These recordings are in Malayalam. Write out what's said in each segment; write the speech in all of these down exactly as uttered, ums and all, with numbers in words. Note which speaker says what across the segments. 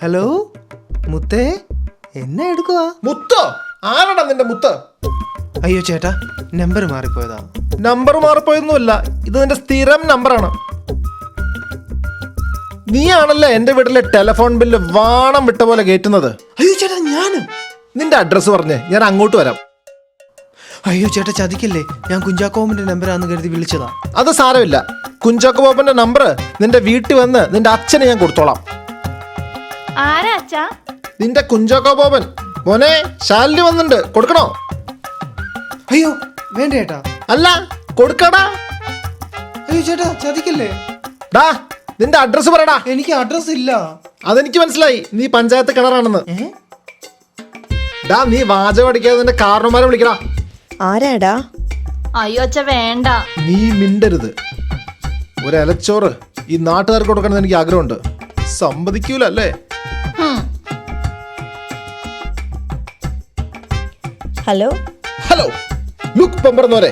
Speaker 1: ഹലോ മുത്തേ, എന്നെ എടുക്കുവാ?
Speaker 2: മുത്തോ? ആരാടാ നിന്റെ മുത്ത്?
Speaker 1: അയ്യോ ചേട്ടാ, നമ്പർ മാറിപ്പോയതാ.
Speaker 2: നമ്പർ മാറിപ്പോയൊന്നുമല്ല, ഇത് നിന്റെ സ്ഥിരം നമ്പറാണ്. നീയാണല്ലേ എന്റെ വീട്ടിലെ ടെലിഫോൺ ബില്ല് വാണം വിട്ട പോലെ കയറ്റുന്നത്.
Speaker 1: അയ്യോ ചേട്ടാ, ഞാനും.
Speaker 2: നിന്റെ അഡ്രസ്സ് പറഞ്ഞേ, ഞാൻ അങ്ങോട്ട് വരാം.
Speaker 1: അയ്യോ ചേട്ടാ, ചതിക്കല്ലേ, ഞാൻ കുഞ്ചാക്കോമിന്റെ നമ്പറാന്ന് കരുതി വിളിച്ചതാ.
Speaker 2: അത് സാരമില്ല, കുഞ്ചാക്കോ ബോബന്റെ നമ്പർ നിന്റെ വീട്ടിൽ വന്ന് നിന്റെ അച്ഛനെ ഞാൻ കൊടുത്തോളാം.
Speaker 3: ആരാ അച്ഛാ?
Speaker 2: നിന്റെ കുഞ്ചാക്കോ ബോബൻ. മോനെ, ശാലിനി വന്നിട്ടുണ്ട്, കൊടുക്കണോ?
Speaker 1: അയ്യോ വേണ്ട ചേട്ടാ.
Speaker 2: അല്ല, കൊടുക്കടാ.
Speaker 1: അയ്യോ ചേട്ടാ, ചതിക്കല്ലേ.
Speaker 2: ഡാ, നിന്റെ അഡ്രസ്സ് പറയടാ.
Speaker 1: എനിക്ക് അഡ്രസ് ഇല്ല.
Speaker 2: അതെനിക്ക് മനസ്സിലായി, നീ പഞ്ചായത്ത് കിണറാണെന്ന്. ഡാ, നീ വാചകം അടിക്കാതെ നിന്റെ കാരണന്മാരെ വിളിക്കടാ.
Speaker 4: ആരാടാ?
Speaker 3: അയ്യോ അച്ഛ വേണ്ട.
Speaker 2: നീ മിണ്ടരുത്. ഒരു ഇലച്ചോറ് ഈ നാട്ടുകാർക്ക് കൊടുക്കണമെന്ന് എനിക്ക് ആഗ്രഹമുണ്ട്. സമ്മതിക്കൂല അല്ലേ?
Speaker 4: ഹലോ
Speaker 2: ഹലോ, ലുക്ക് പമ്പറന്നോരെ,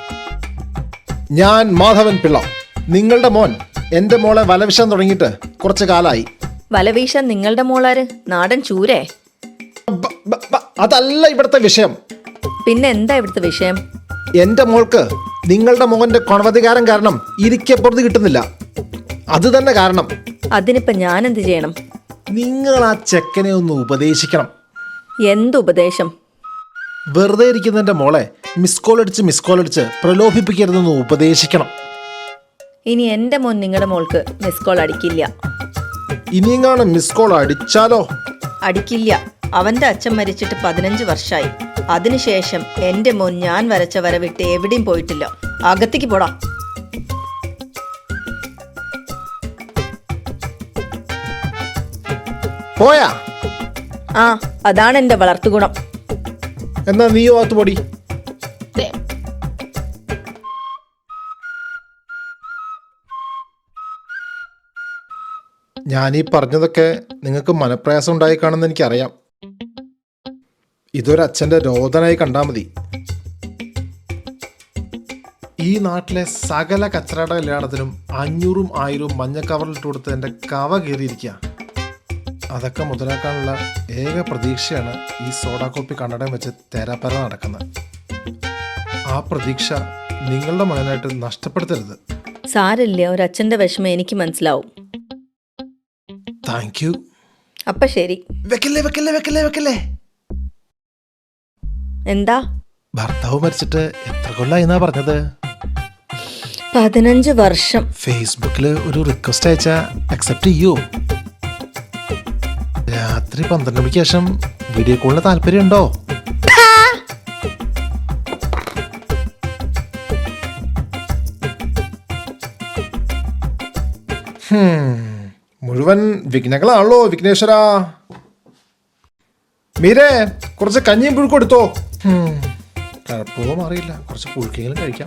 Speaker 2: ഞാൻ മാധവൻ പിള്ള. നിങ്ങളുടെ മോൻ എന്റെ മോളെ വലവിഷാൻ തുടങ്ങിയിട്ട് കുറച്ച് കാലായി.
Speaker 4: വലവീശാൻ നിങ്ങളുടെ മോളാര്? നാടൻ ചൂരേ?
Speaker 2: ബ- ബ- ബ- അതല്ല ഇവിടുത്തെ വിഷയം.
Speaker 4: പിന്നെ എന്താ ഇവിടുത്തെ വിഷയം?
Speaker 2: എന്റെ മോൾക്ക് നിങ്ങളുടെ മോന്റെ കൊണവധികാരം കാരണം ഇരിക്കപ്പുറത്ത് കിട്ടുന്നില്ല. അത് തന്നെ കാരണം.
Speaker 4: അതിനിപ്പോ ഞാൻ എന്ത് ചെയ്യണം?
Speaker 2: നിങ്ങൾ ആ ചെക്കനെ ഒന്ന് ഉപദേശിക്കണം.
Speaker 4: എന്തുപദേശം?
Speaker 2: വെറുതെ ഇരിക്കുന്നതിന്റെ മോളെ മിസ് കോൾ അടിച്ച് മിസ് കോൾ അടിച്ച് പ്രലോഭിപ്പിക്കരുതെന്ന് ഉപദേശിക്കണം.
Speaker 4: ഇനി എന്റെ മോൻ നിങ്ങളുടെ മോൾക്ക് മിസ് കോൾ അടിക്കില്ല.
Speaker 2: ഇനിയെങ്ങാണ് മിസ് കോൾ അടിച്ചാലോ?
Speaker 4: അടിക്കില്ല. അവന്റെ അച്ഛൻ മരിച്ചിട്ട് പതിനഞ്ച് വർഷമായി. അതിനുശേഷം എന്റെ മോൻ ഞാൻ വരച്ച വര വിട്ട് എവിടെയും പോയിട്ടില്ല. അകത്തേക്ക് പോടാ.
Speaker 2: പോയാ?
Speaker 4: ആ, അതാണ് എന്റെ വളർത്തുഗുണം.
Speaker 2: എന്നാ നീയോ അകത്ത് പൊടി. ഞാനീ പറഞ്ഞതൊക്കെ നിങ്ങൾക്ക് മനപ്രയാസം ഉണ്ടായി കാണുമെന്ന് എനിക്കറിയാം. ഇതൊരച്ഛൻ്റെ രോദനായി കണ്ടാൽ മതി. ഈ നാട്ടിലെ സകല കച്ചറട കല്യാണത്തിനും അഞ്ഞൂറും ആയിരവും മഞ്ഞ കവറിലിട്ട് കൊടുത്ത് എൻ്റെ കവ കയറിയിരിക്കുക. അതൊക്കെ മുതലാക്കാനുള്ള ഏക പ്രതീക്ഷയാണ് ഈ സോഡാ കോപ്പി കണ്ണടം വെച്ച് തേരാപ്പര നടക്കുന്നത്. ആ പ്രതീക്ഷ നിങ്ങളുടെ മകനായിട്ട് നഷ്ടപ്പെടുത്തരുത്.
Speaker 4: സാരില്ല, ഒരച്ഛന്റെ വിഷമം എനിക്ക് മനസ്സിലാവും.
Speaker 2: Thank you.
Speaker 4: അപ്പൊ ശരി.
Speaker 2: വെക്കല്ലേ വെക്കല്ലേ വെക്കല്ലേ വെക്കല്ലേ.
Speaker 4: എന്താ?
Speaker 2: ഭർത്താവ് മരിച്ചിട്ട് എത്ര കൊല്ലായി എന്നാ പറഞ്ഞത്?
Speaker 4: പതിനഞ്ച് വർഷം.
Speaker 2: ഫേസ്ബുക്കിൽ ഒരു റിക്വസ്റ്റ് അയച്ചാ അക്സെപ്റ്റ് ചെയ്യോ? രാത്രി പന്ത്രണ്ട് മണിക്ക് ശേഷം വീഡിയോ കോളിന് താല്പര്യം ഉണ്ടോ? മുഴുവൻ വിഘ്നങ്ങളാണല്ലോ വിഘ്നേശ്വര. മീരേ, കുറച്ച് കഞ്ഞിയും പുഴുക്കും എടുത്തോ. കുഴപ്പമോ അറിയില്ല, കുറച്ച് പുഴുക്കെങ്കിലും കഴിക്കാം.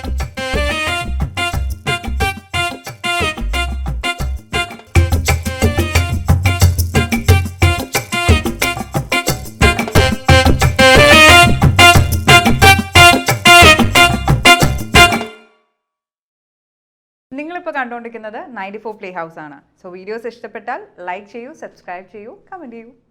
Speaker 5: നിങ്ങളിപ്പോൾ കണ്ടുകൊണ്ടിരിക്കുന്നത് നയൻറ്റി ഫോർ പ്ലേ ഹൗസ് ആണ്. സോ വീഡിയോസ് ഇഷ്ടപ്പെട്ടാൽ ലൈക്ക് ചെയ്യൂ, സബ്സ്ക്രൈബ് ചെയ്യൂ, കമൻറ്റ് ചെയ്യൂ.